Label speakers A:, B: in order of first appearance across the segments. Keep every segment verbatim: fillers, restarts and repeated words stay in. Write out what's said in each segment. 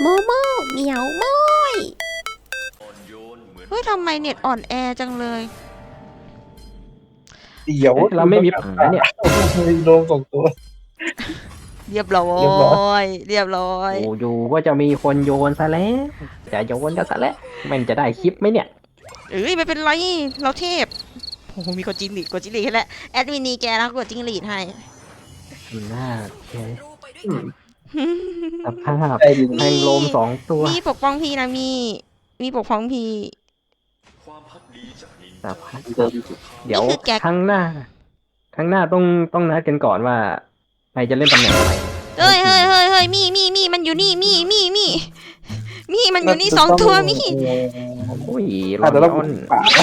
A: โมโมเหมียวโมยเฮ้ยทำไมเน็ตอ่อนแอจังเลย
B: เดี๋ยว
C: เราไม่มีปัญหาเนี่ย
B: มีโดมสองตัว
A: เรียบร้อ
B: เรียบร้อย
A: ย เรียบร้อย
C: โอ้อยู่ก็จะมีคนโยนซะแล้วจะโยนก็ซะแล้วมันจะได้คลิปไหมเนี่ย
A: เอ้ยไม่เป็นไร เราเทพโอ้โหมีกดจิงหลีดกดจิงหลีดให้แล้วแอดมินนีแกแล้วกดจิงหลีดให้
C: หน้าแก
B: อืม
C: สภาพ
B: ใจดี
C: แทงลมสองตัว
A: มีปกป้องพี่นะมี มีปกป้องพี่
C: สภาพ
B: เดิม
C: เดี๋ยว
A: นี่คือแก๊ก
C: ครั้งหน้าครั้งหน้าต้องต้องนัดกันก่อนว่าใครจะเล่นตำแหน่งอะไร
A: เฮ้ยเฮ้ยเฮ้ยเฮ้ยมีมีมีมันอยู่นี่มีมีมีมีมันอยู่นี่สองตัวมี
C: โอ้ยร
B: อา
C: อ
B: จจะ
C: น
B: ต้อง
C: ออน
B: ป่า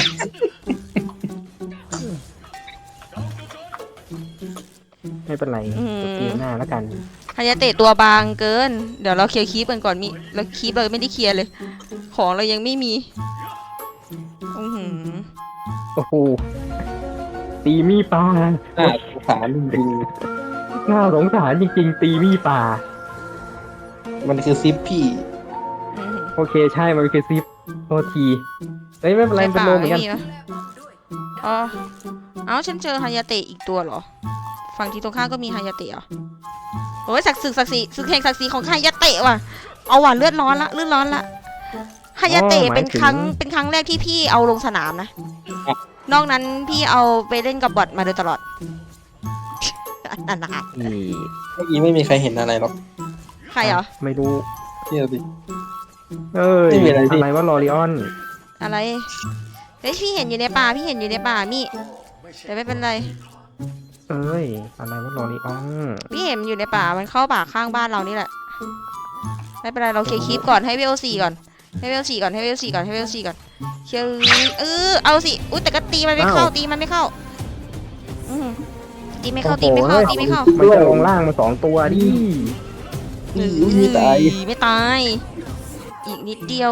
C: ไม่เป็นไรเกมหน้าแล้วกัน
A: ฮันยาเตะตัวบางเกิน เดี๋ยวเราเคลียร์คีปกันก่อนมีเราคีปเราไม่ได้เคลียร์เลย ของเรายังไม่มีอือหือ
C: โอ้โหตีมีปลา
B: น่าสงสารจริง
C: น่าสงสารจริงๆ ตีมีปลา
B: ๆมันคือซิปพี่
A: อือหือ
C: โอเคใช่มันคือซิปโทษทีเฮ้ยไม่เป็นไรเป็นโลเหมือนกัน
A: ใป่าไวะอ๋อ เอ้าฉันเจอฮายาเตะอีกตัวเหรอ ฝั่งที่ตรงข้ามก็มีฮายาเตะเหรอโอ้ยศักดิ์ศึกศักดิ์ศรีศึกแห่งศักดิ์ศรีของฮายาเตะว่ะ เอาว่ะเลือดร้อนละเลือดร้อนละฮายาเตะเป็นครั้งเป็นครั้งแรกที่พี่เอาลงสนามนะ นอกนั้นพี่เอาไปเล่นกับบอทมาโดยตลอด อันนั้นนะ
C: นี่
B: เมื่อกี้ไม่มีใครเห็นอะไรหรอก
A: ใครเหรอ
C: ไม่รู้
B: เชื่อดิ
C: เอ้ย
B: ไม่มีอะไรดิ
C: อะไรว่าลอริออน
A: อะไรเฮ้ยพี่เห็นอยู่ในป่าพี่เห็นอยู่ในป่ามี่แต่ไม่เป็นไร
C: เอ้ยอะไรว่าลอริออน
A: พี่เห็นมันอยู่ในป่ามันเข้าป่าข้างบ้านเรานี่แหละไม่เป็นไรเราเคลียร์คลิปก่อนให้เวลสี่ก่อนให้เวลสี่ก่อนให้เวลสี่ก่อนให้เวลสี่ก่อนเชื่อเออเอาสิอุ้ยแต่ก็ตีมันไม่เข้าตีมันไม่เข้าอืมตีไม่เข้าตีไม่เข้าตีไม่เข้า
C: มันจะลงล่างมาสองตัวดิ
B: นี่อุ้ยมีตาย
A: เอ้ยไม่ตาย อีกนิดเดียว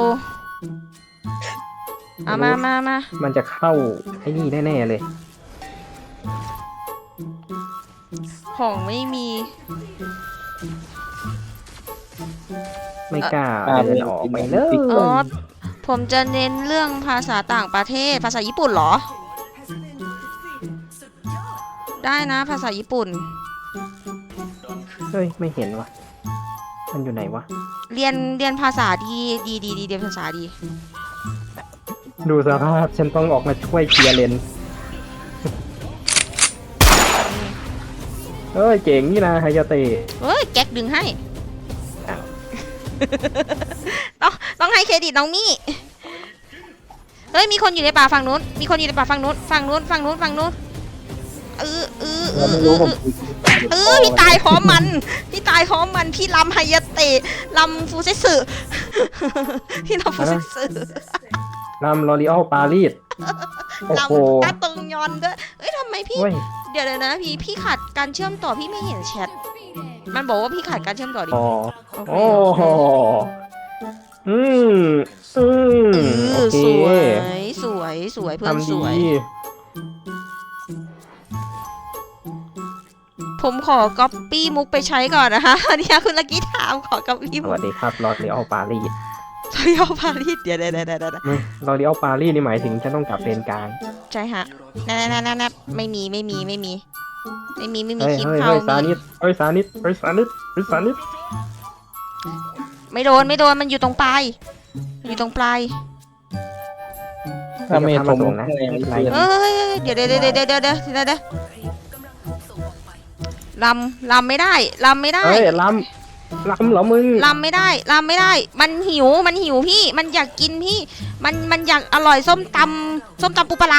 A: เอามามามา
C: มันจะเข้าไอ้นี่แน่ๆเลย
A: ของไม่มี
C: ไม่กล้าเดินออกไปเลย
A: อ๋อผมจะเน้นเรื่องภาษาต่างประเทศ ภาษาญี่ปุ่นเหรอ ได้นะภาษาญี่ปุ่น
C: เฮ้ยไม่เห็นวะมันอยู่ไหนวะ
A: เรียนเรียนภาษาดีดีดีดีเรียนภาษาดี
C: ดูสภาพฉันต้องออกมาช่วยเคลียร์เลนเอ้ยเจ๋งนี่นะไฮยาเตะ
A: เฮ้ยแก๊กดึงให้
C: อ้าว
A: ต้องต้องให้เครดิตน้องมี่เฮ้ยมีคนอยู่ในป่าฝั่งนู้นมีคนอยู่ในป่าฝั่งนู้นฝั่งนู้นฝั่งนู้นฝั่งนู้นเออเออเอ
B: เรา
A: อ
B: ไม่
A: เอ
B: รู้
A: อ
B: ผม
A: เออพี่ตายพร้อมมันพี่ตายพร้อมมันพี่ลำไฮยาเตะลำฟูเซสึ พี่ลำฟูเซสึ
C: ลำลอริออลปารีสโอ้
A: ล
C: โห
A: ำตาตึงยอนด้วยเอ้ยทำไมพี่
C: เว้ย
A: เดี๋ยวเลยนะพี่พี่ขาดการเชื่อมต่อพี่ไม่เห็นแชทมันบอกว่าพี่ขาดการเชื่อมต่อดิ
C: อ๋อ
A: โอเค
C: โอ้โหอืมอืม
A: เอ
C: โอ
A: อ
C: เค
A: สวยสวยสวยเพื่อน
C: ทำ
A: ส
C: ดี
A: วย ผมขอก๊อปปี้มุกไปใช้ก่อนนะคะ เนี่ยคุณลักกี้ถามขอก๊อปปี้
C: ส
A: มุก
C: วัสดีครับลอริออลปารีส
A: ซอยเอาพารีสเดี๋ยวเดี๋ยวเดี๋ยวเดี๋ยวเดี๋ยว
C: ลอริออลปารีสนี่หมายถึงฉันต้องกลับเลนกลาง
A: ใช่ฮะนั่นนั่นนั่นไม่มีไม่มีไม่มี ไม่มีไม่มี
C: เฮ้ย
A: คลิป
C: เฮ้ย
A: เข้า
C: เฮ้ยสา
A: มี
C: นิดเฮ้ยสานิดเฮ้ยสานิดเฮ้ยสานิด
A: ไม่โดนไม่โดนมันอยู่ตรงปลายมันอยู่ตรงปลาย
B: ถ้าไม่
C: อย่า
B: ผ
C: พาม ส่งนะ
B: อะไร
C: ไม่เป็นไร
A: เอ้ยเดี๋ยวเดี๋ยวเดี๋ยวเดี๋ยวเดี๋ยวเดี๋ยวเดี๋ยวเดี๋ยวลำลำไม่ได้ลำไม่ได้
C: เฮ้ยลำลำเหรอมึง
A: ลำไม่ได้ลำไม่ได้ มันหิวมันหิวพี่ มันอยากกินพี่ มันมันอยากอร่อยส้มตำส้มตำปูปลาร้า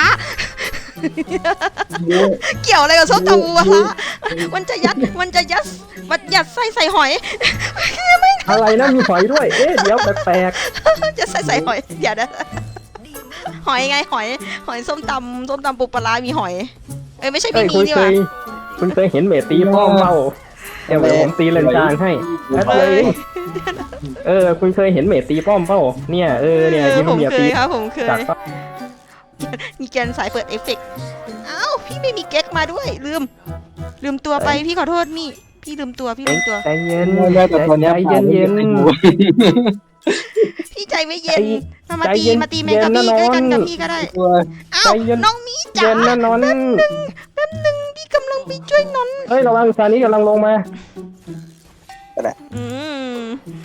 A: เกี่ยวอะไรกับส้มตำปูปลาร้ามันจะยัดมันจะยัดมันยัดไส้ใส่หอย
C: อะไรนะมีหอยด้วย เอ๊ะเดี๋ยวแปลก
A: จะใส่ใส่หอยเดี๋ยวนะหอยไงหอย หอยส้มตำส้มตำปูปลาร้ามีหอย เอ้ยไม่ใช่
C: ๆเฮ้
A: ไม่
C: ย
A: มี
C: คุณ
A: ดี
C: เค
A: กว่าย
C: คุณเคยเห็นเมตีป้อมเปล่าเดี๋ยวผมตีเลนกลางให้แป๊บเดียวเองเออ คุณเคยเห็นเมตีป้อมเปล่าเนี่ยเออเนี่ย
A: เออ
C: ที่
A: ผ
C: มัน
A: ม
C: เมีย
A: เค
C: ตี
A: ยครับผมเคย
C: จากป้อม
A: มีแกนสายเปิดเอฟเฟกต์เอ้าพี่ไม่มีเก๊กมาด้วยลืม ลืมตัวไปพี่ขอโทษมี่พี่ลืมตัวพี่ลืมตัว
C: ใจเย็น
B: ไม่ได้แต่ตอนเนี้ย
C: ใจเย็นเย็น
B: ไม่รู้
A: พี่ใจไม่เย็นมามา
C: ใจ
A: ตี
C: เย็น
A: มาตีแมงกับพี่
C: เย็
A: ก็
C: นนะ
A: กันกับ
C: น้อง
A: พี่ก็ได้
B: ตัว
A: อ้า
C: ใจ
A: ว
C: เย็น
A: น้องมีจ๋า
C: เย็นนะนอน
A: แป๊บนึงพี่กำลังไปช่วยนนท์
C: เฮ้ยระวังซานี้กำลังลงมา
A: อืม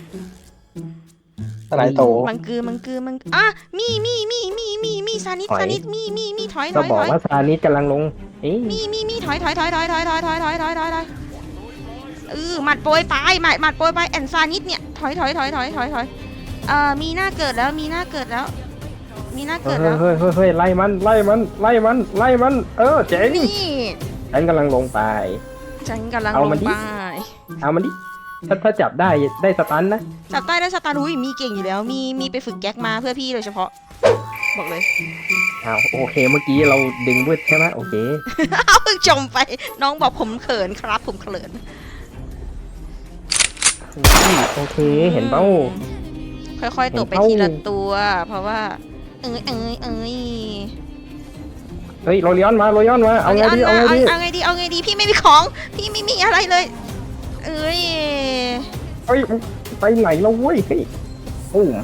B: อะไรโต
A: มังกือมังกือมังอ่ะมีมีมีมีมีมีซานิด
C: ถอย
A: ซานิดมีมีมีถอยถ
C: ก็
A: อย
C: บอ
A: ถ
C: ก
A: อย
C: ว่าซานี้กำลังลงเอ๊ะ
A: มีมีมีถอยถอยถอยถอยถอยถอยถอยถอยถอยถอยถอยเออหมัดโปรยไปหมัดหมัดโปรยไปแอนซานิดเนี่ยถอยถอยถอยถอยถอยถอยเอ่อมีหน้าเกิดแล้วมีหน้าเกิดแล้ว มีหน้า
C: เฮ้
A: เกิ
C: ย
A: ดแล้ว
C: เฮ้ยเฮ้ยเฮ้ยไล่มันไล่มันไล่มันไล่มัน เออเจ๋ง
A: นี่
C: ฉันกำลังลงไป
A: ฉันกำลัง
C: เอา
A: ล
C: มาง ดิ
A: ไป
C: เอามันดิถ้าถ้าจับได้ได้สตันนะ
A: จับใต้ได้สตาร์อุ้ยมีเก่งอยู่แล้ว มีมีไปฝึกแก๊กมาเพื่อพี่โดยเฉพาะ บอกเลย
C: อ้าวโอเคเมื่อกี้เราดึงวืดใช่ไหมโอเค
A: เอาเพิ่งชมไป น้องบอกผมเขินครับผมเขิน
C: โอเคเห็นเป้า
A: ค่อยๆตกไป
C: เห็นเป้า
A: ทีละตัว เพราะว่า เอ้ยเอ้ยเอ้ย
C: เฮ้ยโรลิออนมาโรลิออนมาเอาไงดีเอาไงดี
A: เอาไงดีเอาไงดีพี่ไม่มีของ พี่ไม่มีอะไรเลย เอ้ย
C: เฮ้ยไปไหนแล้วเว้ยเฮ้ยโอ้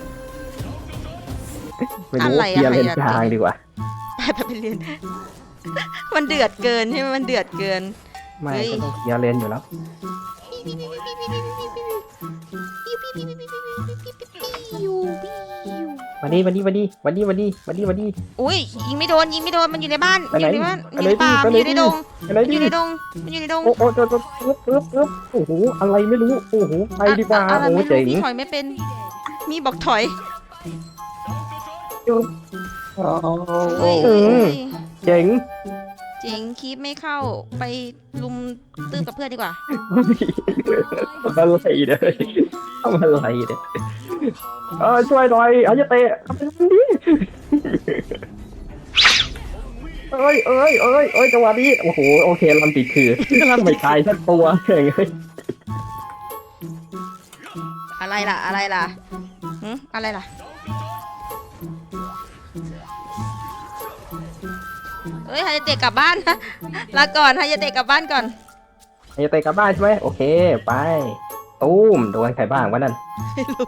C: ไม่รู้
A: อะไร
C: เคลียร์
A: อะไร
C: เลน
A: อะ
C: กลางดีกว่า
A: ไปไปไปเรียน มันเดือดเกินใช่ไหมมันเดือดเกิน
C: ไม่
A: เฮ้ย
C: ก็ต้องเคลียร์เลนอยู่แล้ว วันนี้วันนี้วันนี้วันนี้วันนี้วันนี้วันนี้
A: อุ้ยยิงไม่โดนยิงไม่โดนมันอยู่ในบ้าน
C: ไป
A: มันอ
C: ไหน
A: ยู่ในบ้าน
C: ไป
A: มันอ
C: ไหน
A: ยู่ในป่า
C: ไป
A: มัน
C: ไหน
A: อยู่ในดง
C: อะไร
A: มันอ
C: ดิ
A: ยู่ในดงมันอยู่ในดง
C: โอ้โหปึ๊บปึ๊บปึ๊บปึ๊บปึ๊บโอ้โหอะไรไม่รู้โอ้โหไปดีกว่า
A: อะอะไร
C: โอ้
A: ไม่
C: เจ๋
A: รู้
C: ง
A: พี่ถอยไม่เป็น มีบอกถอย
B: อ๋อ
A: เฮ้ย
C: อืม เจ๋ง
A: เจ๋งคีบไม่เข้าไปลุมตื้อกับเพื่อนดีกว่า
C: ทำอะไรเนี่ยทำอะไรเนี่ยเออช่วยหน่อยอาจจะเตะทำไมมันดีเอ้ยเอ้ยเอ้ยเอ้ยจังหวะนี้โอ้โหโอเคลำติดคือไม่ตายสักตัวเองเลย
A: อะไรล่ะอะไรล่ะหึอะไรล่ะเฮ้ยฮายาเตะกลับบ้านนะลาก่อนฮายาเตะกลับบ้านก่อน
C: อาจจะเตะกลับบ้านใช่ไหมโอเคไปตุ้มโดนใครบ้างวะนั่น
A: ไม่รู้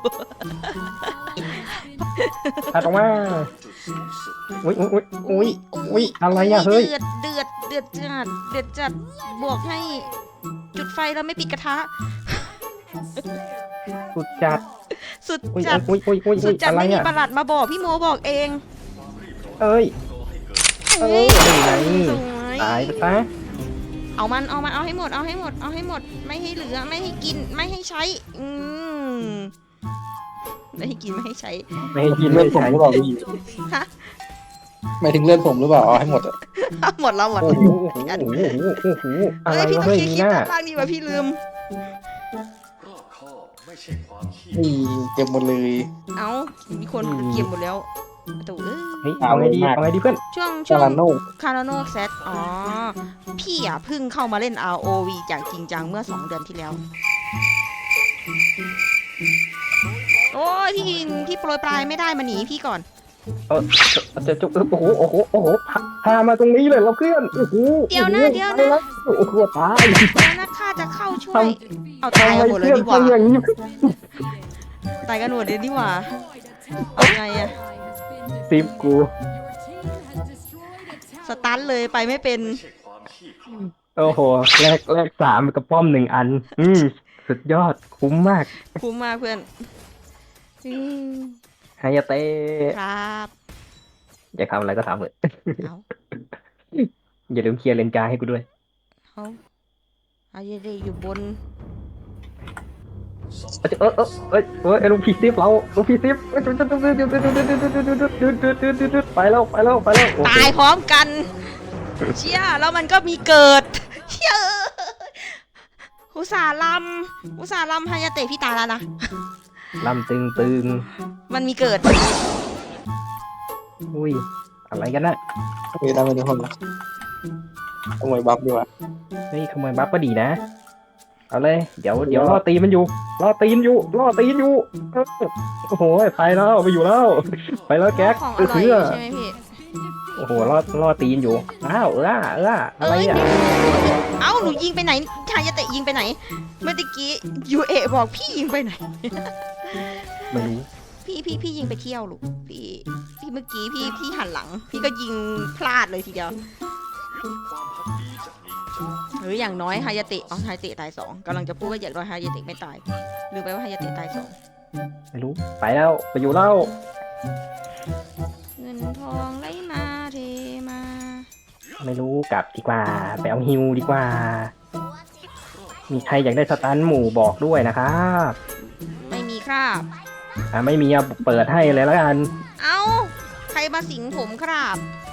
C: ถัดออกมาอุ้ยอุ้ยอุ้ยอุ้ยอุ้ยอะไรอะเฮ้ย
A: เดือดเดือดเดือดจัดเดือดจัดบวกให้จุดไฟแล้วไม่ปิดกระทะ
C: สุดจัด
A: สุด
C: อุ้ย
A: จัด
C: อุ้ยอุ้ยอุ้ย
A: สุ
C: อุ้
A: ด
C: ย
A: จัด
C: อะไร
A: ไม่มี
C: อะ
A: ประหลัดมาบอกพี่โมบอกเอง
C: เอ้ย เอ้ยนี่ไง
A: สวย
C: ตายไปซะ
A: เอามันเอามันเอาให้หมดเอาให้หมดเอาให้หมดไม่ให้เหลือไม่ให้กินไม่ให้ใช้อืมไม่ให้กินไม่ให้ใช้
C: ไม่ให้กิน
B: เลื
C: ไม่
B: อดผม
C: ใช่
B: หรือเปล่าพี่
A: ฮะ
B: หมายถึงเลือดผมหรือเปล่าเอาให้หมดอะ
A: หมดแล้วหมด
C: โอ้โหโอ้โหโอ้โหโอ้โหอะไร
A: เฮ้ยพี่
C: วะ
A: ต้อง
C: เฮ้ย
A: เคลียร์
C: มี หน้า
A: คลิปด้านล่างดีกว่าพี่ลืม
B: นี่เก็บหมดเลย
A: เอ้ามีคนเก็บหมดแล้วตู่เอ้ย
C: เฮ้ยเอาไงดีเอาไงดีเพื่อน
A: ช่วงช่
B: จาว
A: ง
B: ราโน่
A: คาร์โนเซตอ๋อ พี่อ่ะเพิ่งเข้ามาเล่น อาร์ โอ วี อย่างจริงจังเมื่อสองเดือนที่แล้ว โอ้ยพี่พี่โปรยปลายไม่ได้มาหนีพี่ก่อน
C: เออจะจุกโอ้โหโอ้โหโอ้โหพาพามาตรงนี้เลยเราเพื่อนโอ้โห
A: เดี๋ยวนะเดี๋ยวนะ
C: ไปแล้วโอ้โหตาย
A: แล้วนะข้าจะเข้าช่วย เอาตาย
C: ทำไม
A: กันหมดเลย
C: เพื่อน
A: ดีกว่า
C: ทำอย่างนี้
A: ตายกันหมดเลยดีกว่า เอาไงอะ
C: สิบกู
A: สตันเลยไปไม่เป็น
C: โอ้โหแลกแลกสามกับป้อมหนึ่งอัน อืมสุดยอดคุ้มมาก
A: คุ้มมากเพื่อนอืม
C: ฮายาเตะ
A: ครับ
C: อยากทำอะไรก็ทำเลย
A: เอา
C: อย่าลืมเคลียร์เลนกลางให้กูด้วย
A: เอาอาเยเดอยู่บน
C: เออเออเออเออไอ้ลูกพีซิฟเราลูกพีซิฟไปแล้วไปแล้วไปแล้ว
A: ตายพร้อมกัน เชี่ยแล้วมันก็มีเกิด เชี่ยอุตส่าห์ลำอุตส่าห์ลำฮายาเตะพี่ตายแล้วนะ
C: ลำตึงตึง
A: มันมีเกิด
C: อุ้ยอะไรกันน่ะ
B: เฮ้ยทำไมทุกคนละขโมยบัฟดีกว่า
C: เฮ้ยขโมยบัฟก็ดีนะเอาเลยเดี๋ยวเดี๋ยวล่อตีมันอยู่ล่อตีนอยู่ล่อตีนอยู่โอ้โหไปแล้วไปอยู่แล้วไปแล้วแก๊ก
A: ของอ
C: เออ
A: ร่อย
C: เชื่อ
A: ใช่ไหมพี่
C: โอ้โหล่อล่อตีนอยู่อ้าวเออเอออะไรอ่ะ
A: เอ้าหนูยิงไปไหนฮายาเตะยิงไปไหน เมื่อตะกี้ยูเอบอกพี่ยิงไปไหน
C: ไม่รู้
A: พี่พี่พี่ยิงไปเที่ยวลูกพี่พี่เมื่อกี้พี่พี่หันหลัง พี่ก็ยิงพลาดเลยทีเดียวหรืออย่างน้อยฮายาเตะอ๋อฮายาเตะตายสองกำลังจะพูดว่าอย่างน้อยฮายาเตะไม่ตายลืมไปว่าฮายาเตะตายสอง
C: ไม่รู้ไปแล้วไปอยู่แล้ว
A: เงินทองไหลมาเทมา
C: ไม่รู้กลับดีกว่าไปเอาฮิวดีกว่า มีใครอยากได้สตันหมู่บอกด้วยนะครับ
A: ไม่มีครับ
C: อ่าไม่มีอะเปิดให้เลยแล้วกัน
A: เอ้าใครมาสิงผมครับ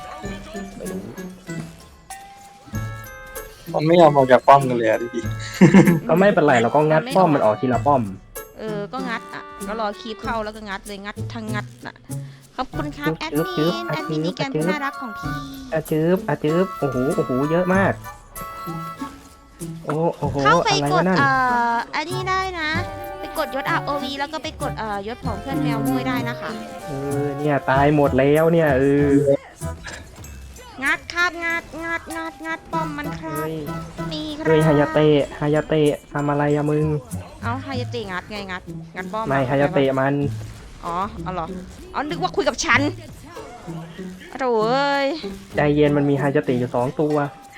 B: มันไม่ยอมออกจากป้อมกันเลยอะดิ
C: ก็ไม่เป็นไรเราก็งัดป้อมมันออกทีละป้อม
A: เออก็งัดอ่ะก็รอคีบเข้าแล้วก็งัดเลยงัดทั้งงัดน่ะขอบคุณครับแอด
C: จึ๊บจึ๊
A: มิ
C: บ
A: นแอดมิน
C: จึ๊
A: นี่
C: บ
A: แกม
C: จึ๊บ
A: น่ารักของพี่
C: อาจืบอาจืบโอ้โหโอ้โหเยอะมาก โอ้โอ้โห
A: เข้าไป
C: อะไร
A: ก
C: วะ
A: ด
C: นั่น
A: เอ่ออันนี้ได้นะ ไปกดยศ อาร์ โอ วี แล้วก็ไปกดเอ่อยศของเพื่อนแมวมุ้ยได้นะคะ
C: เออเนี่ยตายหมดแล้วเนี่ยเออ
A: งัดครับงัดงัดงัดงัดป้อมมันครั
C: เฮ้
A: บ
C: ย
A: นี่ครั
C: เฮ้ยฮายาเตะฮายาเตะทำอะไรอะมึง
A: เอาฮายาเตะงัดไงงัดงัดป้อม
C: ไม่ฮายาเตะมัน
A: อ๋อเอาเหรออ๋อนึกว่าคุยกับฉันโถ่เอ้ย
C: ใจเย็นมันมีฮายาเตะอยู่สองตัว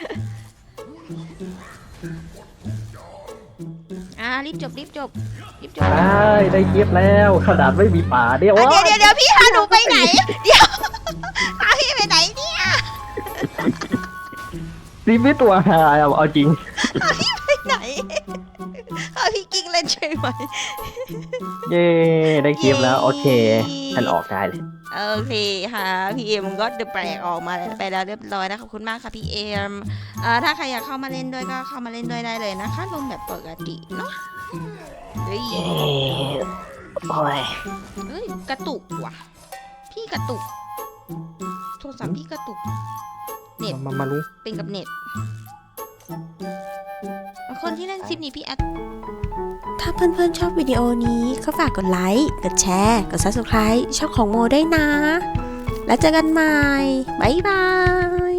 A: อ่ารีบจบรีบจบรีบจบ
C: ได้ได้เก็บแล้วขนาดไม่มีป่าเดียว
A: อ่ะเดี๋ยวเดี๋ยวเดี๋ยวพี่พาหนูไปไหน เดี๋ยวพาพี่ไปไหนเนี่ย
C: นี่ไม่ตัวหายเอาเอาจริง
A: ไปไหนพาพี่กิ๊กเล่นใช่ไหม
C: เย้ได้เก็บแล้วโอเค
A: เย้
C: ฉันออกได้เลย
A: โอเคค่ะพี่เอ็มก็เดอะแปลกออกมาไปแล้วเรียบร้อยนะขอบคุณมากค่ะพี่เอ็มเอ่อถ้าใครอยากเข้ามาเล่นด้วยก็เข้ามาเล่นด้วยได้เลยนะคะลงแบบปกติเนาะเฮ้ย
C: โอ้ย
A: เฮ้ยกระตุกว่ะ พี่กระตุกโทรศัพท์พี่กระตุก เน็ต
C: มามาลุง
A: เป็นกับเน็ตคนที่เล่นซิปนี้พี่แอดถ้าเพื่อนๆชอบวิดีโอนี้ก็ฝากกดไลค์ กดแชร์ กด ซับสไครบ์ ช่องของโมได้วยนะ แล้วเจอกันใหม่ บ๊ายบาย